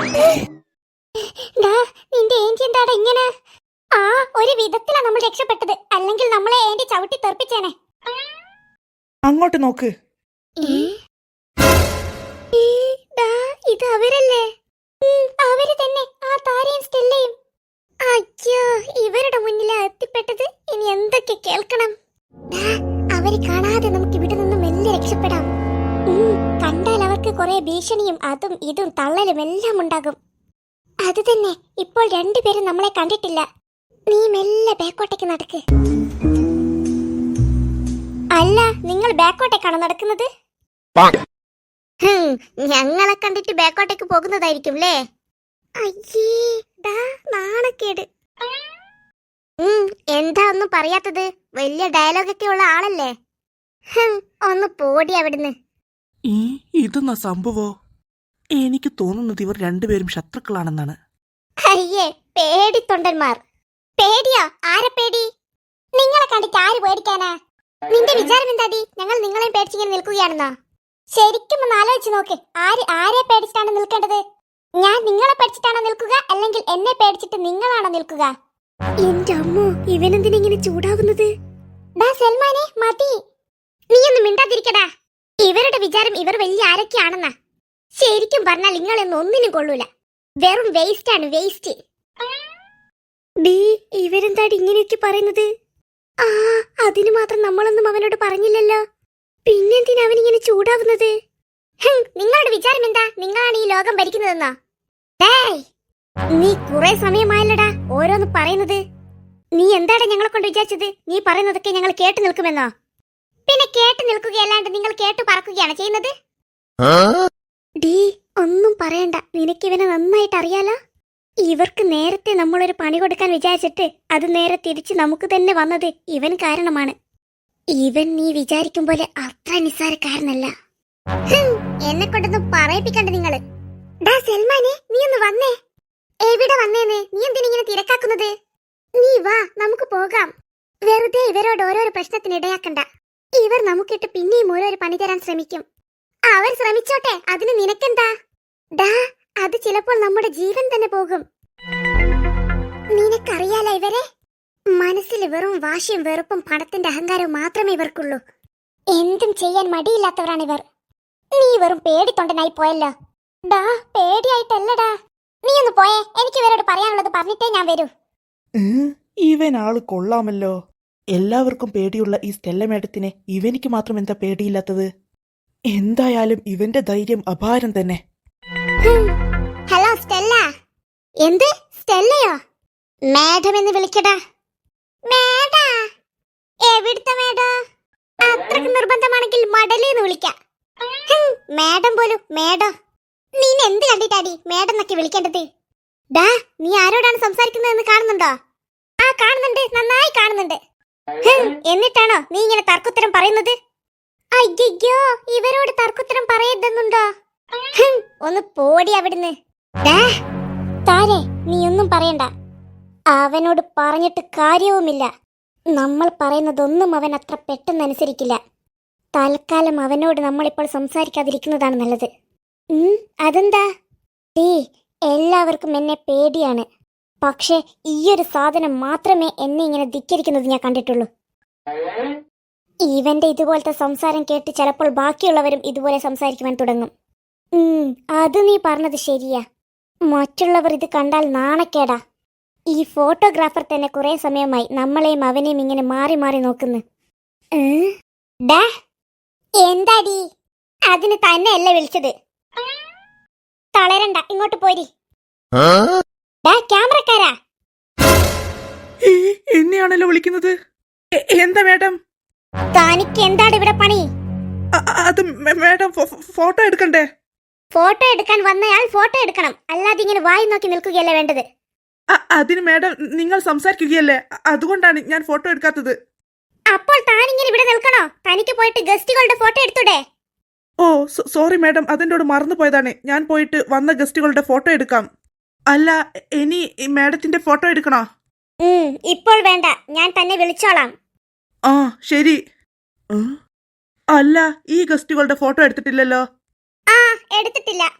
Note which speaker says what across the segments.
Speaker 1: നിന്റെ ഏന്റി എന്താടാ ഇങ്ങനെ? ആ ഒരു വിധത്തിലാ നമ്മൾ രക്ഷപ്പെട്ടത്, അല്ലെങ്കിൽ നമ്മളെ ഏന്റി ചവിട്ടി തെറിപ്പിച്ചേനെ.
Speaker 2: അങ്ങോട്ട് നോക്ക്.
Speaker 1: ഇത് അവരല്ലേ? അവര് തന്നെ, ആ താരയും സ്റ്റെല്ലയും. അയ്യോ, ഇവരുടെ മുന്നിലാ എത്തിപ്പെട്ടത്. ഇനി എന്തൊക്കെ കേൾക്കണം? അവര് കാണാതെ നമുക്ക് ഇവിടെ നിന്ന് മെല്ലെ രക്ഷപ്പെടാം. കണ്ടാൽ അവർക്ക് കുറെ ഭീഷണിയും അതും ഇതും തള്ളലും എല്ലാം ഉണ്ടാകും. അത് തന്നെ, ഇപ്പോൾ രണ്ടുപേരും നമ്മളെ കണ്ടിട്ടില്ല. നീ മെല്ലെ ബാക്കോട്ടേക്ക് നടക്ക്. അല്ല, നിങ്ങൾ ബാക്കോട്ടേക്കാണോ നടക്കുന്നത്? ഞങ്ങളെ കണ്ടിട്ട് ബാക്കോട്ടേക്ക് പോകുന്നതായിരിക്കും അല്ലേ? അയ്യേ, നാണക്കേട്. എന്താ ഒന്നും പറയാത്തത്? വലിയ ഡയലോഗൊക്കെ ഉള്ള ആളല്ലേ? ഒന്ന് പോടി അവിടുന്ന്.
Speaker 2: ഇതെന്നാ സംഭവോ? എനിക്ക് തോന്നുന്നത് ഇവർ രണ്ടുപേരും ശത്രുക്കളാണെന്നാണ്.
Speaker 1: അയ്യേ, പേടിത്തൊണ്ടന്മാർ. പേടിയോ? ആരെ പേടി? നിങ്ങളെ കണ്ടിട്ട് ആര് പേടിക്കാനാ? നിന്റെ വിചാരം എന്താടി? ഞങ്ങൾ നിങ്ങളെയും പേടിച്ചിങ്ങനെ നിൽക്കുകയാണെന്നോ? ശരിക്കും ഒന്ന് ആലോചിച്ച് നോക്ക്. ആരെ പേടിച്ചിട്ടാണ് നിൽക്കേണ്ടത്? ഞാൻ നിങ്ങളെ പേടിച്ചിട്ടാണോ നിൽക്കുക, അല്ലെങ്കിൽ എന്നെ പേടിച്ചിട്ട് നിങ്ങളാണോ നിൽക്കുക? എന്റെ അമ്മോ, ഇവനെന്തിനിങ്ങനെ ചൂടാകുന്നത്? സൽമാനെ, മതി. നീ ഒന്ന് മിണ്ടാതിരിക്കടാ. ഇവരുടെ വിചാരം ഇവർ വലിയ ആരൊക്കെയാണെന്നാ. ശരിക്കും പറഞ്ഞാൽ നിങ്ങളൊന്നും ഒന്നിനും കൊള്ളൂല. വെറും വേസ്റ്റ് ആണ്, വേസ്റ്റ്. ഇവരെന്താടി ഇങ്ങനെയൊക്കെ പറയുന്നത്? അതിന് മാത്രം നമ്മളൊന്നും അവനോട് പറഞ്ഞില്ലല്ലോ. പിന്നെന്തിനാ അവനിങ്ങനെ ചൂടാവുന്നത്? നിങ്ങളുടെ വിചാരം എന്താ? നിങ്ങളാണ് ഈ ലോകം ഭരിക്കുന്നതെന്നോ? നീ കുറെ സമയമായല്ലടാ ഓരോന്ന് പറയുന്നത്. നീ എന്താടാ ഞങ്ങളെ കൊണ്ട് വിചാരിച്ചത്? നീ പറയുന്നതൊക്കെ ഞങ്ങൾ കേട്ടു നിൽക്കുമെന്നോ? പിന്നെ കേട്ടു നിൽക്കുകയല്ലാണ്ട് നിങ്ങൾ കേട്ടു പറക്കുകയാണ് ചെയ്യുന്നത്? ഒന്നും പറയണ്ട, നിനക്കിവനെ നന്നായിട്ട് അറിയാലോ. ഇവർക്ക് നേരത്തെ നമ്മളൊരു പണി കൊടുക്കാൻ വിചാരിച്ചിട്ട് അത് നേരെ തിരിച്ച് നമുക്ക് തന്നെ വന്നത് ഇവൻ കാരണമാണ്. ഇവൻ നീ വിചാരിക്കും പോലെ അത്ര നിസ്സാരക്കാരനല്ല. എന്നെ കൊണ്ടൊന്നും പറയിപ്പിക്കണ്ട നിങ്ങള്. സൽമാനെ, നീ ഒന്ന് വന്നേ. എവിടെ വന്നേന്ന്? നീ എന്തിനിങ്ങനെ തിരക്കാക്കുന്നത്? നീ വാ, നമുക്ക് പോകാം. വെറുതെ ഇവരോട് ഓരോരോ പ്രശ്നത്തിന് ഇടയാക്കണ്ട. ഇവർ നമുക്കിട്ട് പിന്നെയും ഓരോരോ പണി തരാൻ ശ്രമിക്കും. അവർ ശ്രമിച്ചോട്ടെ, അതിന് നിനക്കെന്താ? അത് ചിലപ്പോൾ നമ്മുടെ ജീവൻ തന്നെ പോകും. നിനക്കറിയാലോ ഇവരെ? മനസ്സിൽ വെറും വാശിയും വെറുപ്പും പണത്തിന്റെ അഹങ്കാരവും മാത്രമേ ഇവർക്കുള്ളൂ. എന്തും ചെയ്യാൻ മടിയില്ലാത്തവരാണിവർ. നീ വെറും പേടിത്തൊണ്ടനായി പോയല്ലോ. പേടിയായിട്ടല്ലടാ. നീ ഒന്ന് പോയേ. എനിക്ക് ഇവരോട് പറയാനുള്ളത് പറഞ്ഞിട്ടേ ഞാൻ വരൂ.
Speaker 2: ഇവൻ ആള് കൊള്ളാമല്ലോ. എല്ലാവർക്കും പേടിയുള്ള ഈ സ്റ്റെല്ല മേഡത്തിനെ ഇവനിക്ക് മാത്രം എന്താ പേടിയില്ലാത്തത്? എന്തായാലും ഇവന്റെ ധൈര്യം അപാരം തന്നെ.
Speaker 1: Hello Stella. എന്ത് സ്റ്റെല്ലയോ? മാഡം എന്ന് വിളിക്കടാ. മേഡാ? എവിടുത്തെ മേഡോ? അത്രക്ക് നിർബന്ധമാണെങ്കിൽ മടലേന്ന് വിളിക്കാം. മാഡം പോലും മേഡോ? നീ എന്ത് കണ്ടിട്ടാടി മേഡം എന്നൊക്കെ വിളിക്കേണ്ടത്? നീ ആരോടാണ് സംസാരിക്കുന്നതെന്ന് കാണുന്നുണ്ടോ? കാണുന്നുണ്ട്, നന്നായി കാണുന്നുണ്ട്. എന്നിട്ടാണോ നീ ഇങ്ങനെ തർക്കുത്തരം പറയുന്നത്? അയ്യോ, ഇവരോട് തർക്കുത്തരം പറയരുതെന്നുണ്ടോ? ഒന്ന് പോടി അവിടുന്ന്. താരെ, നീ ഒന്നും പറയണ്ട. അവനോട് പറഞ്ഞിട്ട് കാര്യവുമില്ല. നമ്മൾ പറയുന്നതൊന്നും അവൻ അത്ര പെട്ടെന്ന് അനുസരിക്കില്ല. തൽക്കാലം അവനോട് നമ്മളിപ്പോൾ സംസാരിക്കാതിരിക്കുന്നതാണ് നല്ലത്. അതെന്താ? എല്ലാവർക്കും എന്നെ പേടിയാണ്. പക്ഷെ ഈയൊരു സാധനം മാത്രമേ എന്നെ ഇങ്ങനെ ധിക്കരിക്കുന്നത് ഞാൻ കണ്ടിട്ടുള്ളൂ. ഇവന്റെ ഇതുപോലത്തെ സംസാരം കേട്ട് ചിലപ്പോൾ ബാക്കിയുള്ളവരും ഇതുപോലെ സംസാരിക്കുവാൻ തുടങ്ങും. അത് നീ പറഞ്ഞത് ശരിയാ. മറ്റുള്ളവർ ഇത് കണ്ടാൽ നാണക്കേടാ. ഈ ഫോട്ടോഗ്രാഫർ തന്നെ കുറെ സമയമായി നമ്മളെയും അവനെയും ഇങ്ങനെ മാറി മാറി നോക്കുന്നു. എന്താടി? അതിന് തന്നെയല്ല വിളിച്ചത്. തളരണ്ട, ഇങ്ങോട്ട് പോരി. ക്യാമറക്കാരാ?
Speaker 2: എന്നെയാണല്ലോ വിളിക്കുന്നത്. എന്താ മേഡം?
Speaker 1: തനിക്ക് എന്താണ് ഇവിടെ പണി?
Speaker 2: അത് മേഡം ഫോട്ടോ എടുക്കണ്ടേ?
Speaker 1: ഫോട്ടോ എടുക്കാൻ വന്നയാൾ ഫോട്ടോ എടുക്കണം, അല്ലാതെ ഇങ്ങനെ വായി നോക്കി നിൽക്കുകയല്ലേ വേണ്ടത്.
Speaker 2: അതിന് മേഡം നിങ്ങൾ സംസാരിക്കുകയല്ലേ, അതുകൊണ്ടാണ് ഞാൻ ഫോട്ടോ എടുക്കാത്തത്.
Speaker 1: അപ്പോൾ താനിങ്ങനെ ഇവിടെ നിൽക്കണോ? തനിക്ക് പോയിട്ട് ഗസ്റ്റുകളുടെ ഫോട്ടോ എടുത്തൂടെ?
Speaker 2: ഓ സോറി മേഡം, അതെന്നോട് മറന്നു പോയതാണ്. ഞാൻ പോയിട്ട് വന്ന ഗസ്റ്റുകളുടെ ഫോട്ടോ എടുക്കാം. അല്ല, ഇനി മേഡത്തിന്റെ ഫോട്ടോ എടുക്കണോ?
Speaker 1: ഇപ്പോൾ വേണ്ട, ഞാൻ തന്നെ വിളിച്ചോളാം.
Speaker 2: ശരി. അല്ല, ഈ ഗസ്റ്റുകളുടെ ഫോട്ടോ എടുത്തിട്ടില്ലല്ലോ.
Speaker 1: എടുത്തിട്ടില്ല.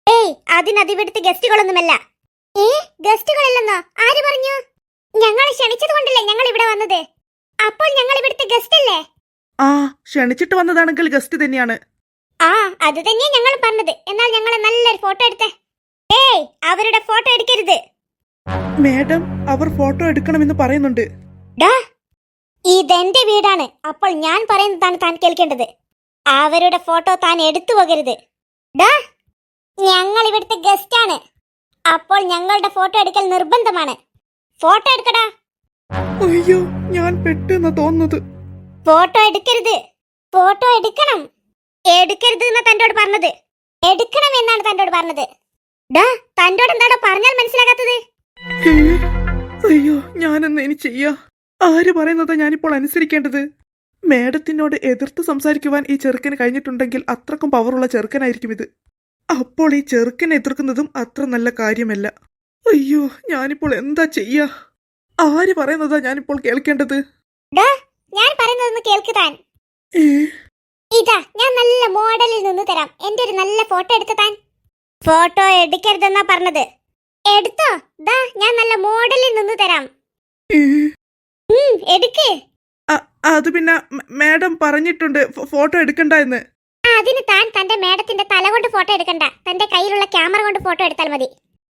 Speaker 1: ഏയ് അതിവിടുത്തെ ഗസ്റ്റുകളൊന്നുമല്ല. ഗസ്റ്റുകളില്ലെന്നോ? ആര് പറഞ്ഞു? ഞങ്ങൾ ക്ഷണിച്ചത് കൊണ്ടല്ലേ ഞങ്ങൾ ഇവിടെ വന്നത്. അപ്പോൾ ഞങ്ങൾ ഇവിടുത്തെ ഗസ്റ്റ് അല്ലേ?
Speaker 2: ആ, ക്ഷണിച്ചിട്ട് വന്നതാണെങ്കിൽ ഗസ്റ്റ് തന്നെയാണ്.
Speaker 1: ആ, അത് തന്നെയാ ഞങ്ങൾ പറഞ്ഞത്. എന്നാൽ ഞങ്ങളെ നല്ലൊരു ഫോട്ടോ എടുത്തേ. ഏയ് അവരുടെ ഫോട്ടോ എടുക്കരുത്.
Speaker 2: മാഡം, അവർ ഫോട്ടോ എടുക്കണമെന്ന് പറയുന്നുണ്ട്.
Speaker 1: ഡാ, ഇതെന്റെ വീടാണ്. അപ്പോൾ ഞാൻ പറയുന്നതാണ് താൻ കേൾക്കേണ്ടത്. അവരുടെ ഫോട്ടോ താൻ എടുത്തു പോകരുത്. ഡാ, ഞങ്ങൾ ഇവിടുത്തെ ഗസ്റ്റ് ആണ്. അപ്പോൾ ഞങ്ങളുടെ ഫോട്ടോ എടുക്കൽ നിർബന്ധമാണ്. ഫോട്ടോ എടുക്കടാ.
Speaker 2: അയ്യോ, ഞാൻ പെട്ടെന്ന് തോന്നുന്നത്.
Speaker 1: ഫോട്ടോ എടുക്കരുത്. ഫോട്ടോ എടുക്കണം. എടുക്കരുത് എന്നാ തന്നോട് പറഞ്ഞത്. എടുക്കണം എന്നാണ് തന്നോട് പറഞ്ഞത്. ഡാ, തന്നോട് എന്താടോ പറഞ്ഞാൽ മനസ്സിലാകാത്തത്?
Speaker 2: ഏ, അയ്യോ, ഞാനെന്ന് ഇനി ചെയ്യാ? ആര് പറയുന്നതാ ഞാനിപ്പോൾ അനുസരിക്കേണ്ടത്? മാഡത്തിനോട് എതിർത്ത് സംസാരിക്കുവാൻ ഈ ചെറുക്കന് കഴിഞ്ഞിട്ടുണ്ടെങ്കിൽ അത്രക്കും പവറുള്ള ചെറുക്കനായിരിക്കും ഇത്. അപ്പോൾ ഈ ചെറുക്കനെ എതിർക്കുന്നതും അത്ര നല്ല കാര്യമല്ല. അയ്യോ, ഞാനിപ്പോൾ എന്താ ചെയ്യാ? ആര് പറയുന്നതാ ഞാനിപ്പോൾ കേൾക്കേണ്ടത്?
Speaker 1: ഡാ, ഞാൻ പറയുന്നതൊന്ന് കേൾക്ക് താൻ.
Speaker 2: ഏ,
Speaker 1: ഇതാ ഞാൻ നല്ല മോഡലിൽ നിന്ന് തരാം. എന്റെ ഒരു നല്ല ഫോട്ടോ എടുത്ത് താൻ. ഫോട്ടോ എടുക്കരുതെന്നാ പറഞ്ഞത്. എടുത്തോ. ദാ ഞാൻ നല്ല മോഡലിൽ നിന്ന് തരാം.
Speaker 2: ഏ,
Speaker 1: എടുക്ക്.
Speaker 2: അത് പിന്നെ മാഡം പറഞ്ഞിട്ടുണ്ട് ഫോട്ടോ എടുക്കണ്ട എന്ന്.
Speaker 1: അതിന് താൻ തന്റെ മേഡത്തിന്റെ തല കൊണ്ട് ഫോട്ടോ എടുക്കണ്ട. തന്റെ കയ്യിലുള്ള ക്യാമറ കൊണ്ട് ഫോട്ടോ എടുത്താൽ മതി.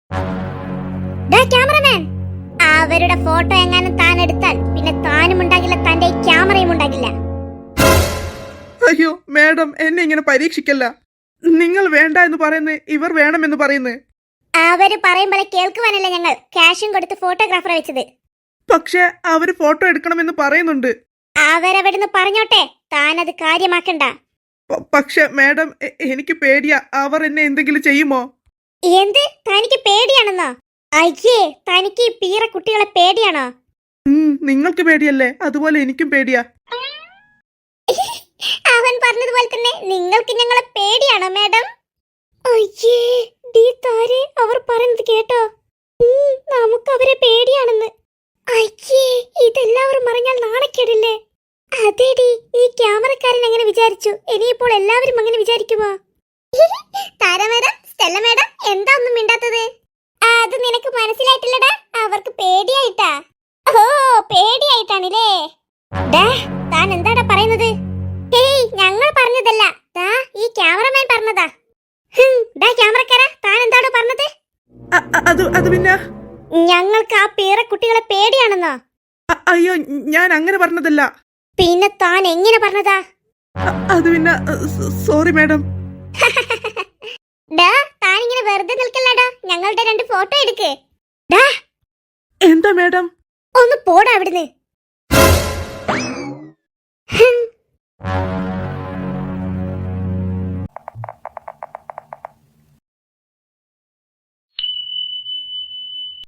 Speaker 1: ഡാ ക്യാമറമാൻ, അവരുടെ ഫോട്ടോ എങ്ങാനും താൻ എടുത്താൽ പിന്നെ താനും ഉണ്ടാകില്ല, തന്റെ ഈ ക്യാമറയും ഉണ്ടാകില്ല.
Speaker 2: അയ്യോ മാഡം, എന്നെ ഇങ്ങനെ പരീക്ഷിക്കല്ല. നിങ്ങൾ വേണ്ട എന്ന് പറയുന്നത് ഇവർ വേണമെന്ന് പറയുന്നത്.
Speaker 1: അവര് പറയും പോലെ കേൾക്കുവാനല്ല ഞങ്ങൾ ക്യാഷും കൊടുത്ത് ഫോട്ടോഗ്രാഫറെ വെച്ചത്.
Speaker 2: പക്ഷെ അവര് ഫോട്ടോ എടുക്കണമെന്ന് പറയുന്നുണ്ട്.
Speaker 1: അവരവിടുന്ന് പറഞ്ഞോട്ടെ, താനത് കാര്യമാക്കണ്ട.
Speaker 2: പക്ഷെ മാഡം, എനിക്ക് പേടിയാ. അവർ എന്നെ എന്തെങ്കിലും ചെയ്യുമോ?
Speaker 1: എന്ത്? തനിക്ക് പേടിയാണെന്നോ? അയ്യേ, തനിക്ക് ഈ പീറ കുട്ടികളെ പേടിയാണോ?
Speaker 2: നിങ്ങൾക്ക് പേടിയല്ലേ, അതുപോലെ എനിക്കും പേടിയാ.
Speaker 1: അവൻ പറഞ്ഞതുപോലെ തന്നെ നിങ്ങൾക്ക് ഞങ്ങളെ പേടിയാണോ മാഡം? അയ്യേ ഡീ താരെ, അവർ പറയുന്നത് കേട്ടോ? നമുക്ക് അവരെ പേടിയാണെന്ന്. അയ്യേ, ഇതെല്ലാവരും അറിഞ്ഞാൽ നാണക്കേടില്ലേ? അതേടി, ഈ ക്യാമറക്കാരൻ എങ്ങനെ വിചാരിച്ചു? ഇനിയിപ്പോൾ എല്ലാവരും അങ്ങനെ വിചാരിക്കുമോ? താര മേഡം, സ്റ്റെല്ല മേഡം, എന്താ ഒന്നും മിണ്ടാത്തത്? അത് നിനക്ക് മനസ്സിലായിട്ടില്ലടാ. അവർക്ക് പേടിയായിട്ടാ. ഓ, പേടിയായിട്ടാണില്ലേ? ഡാ, താൻ എന്താടാ പറയുന്നത്? ഹേയ്, ഞങ്ങൾ പറഞ്ഞതല്ല. ദാ ഈ ക്യാമറമാൻ പറഞ്ഞതാ. ഡാ ക്യാമറക്കാരാ, താൻ എന്താടോ പറഞ്ഞത്?
Speaker 2: അത് പിന്നെ
Speaker 1: ഞങ്ങൾക്ക് ആ പീറ കുട്ടികളെ പേടിയാണെന്നോ?
Speaker 2: അയ്യോ, ഞാൻ അങ്ങനെ പറഞ്ഞതല്ല.
Speaker 1: പിന്നെ താൻ എങ്ങനെ പറഞ്ഞതാ?
Speaker 2: അത് പിന്നെ സോറി മാഡം.
Speaker 1: ഡാ, താൻ ഇങ്ങനെ വെറുതെ നിൽക്കല്ലടാ. ഞങ്ങളുടെ 2 ഫോട്ടോ എടുക്ക്. ഡാ,
Speaker 2: എന്താ മാഡം?
Speaker 1: ഒന്ന് പോടാ അവിടുന്ന്.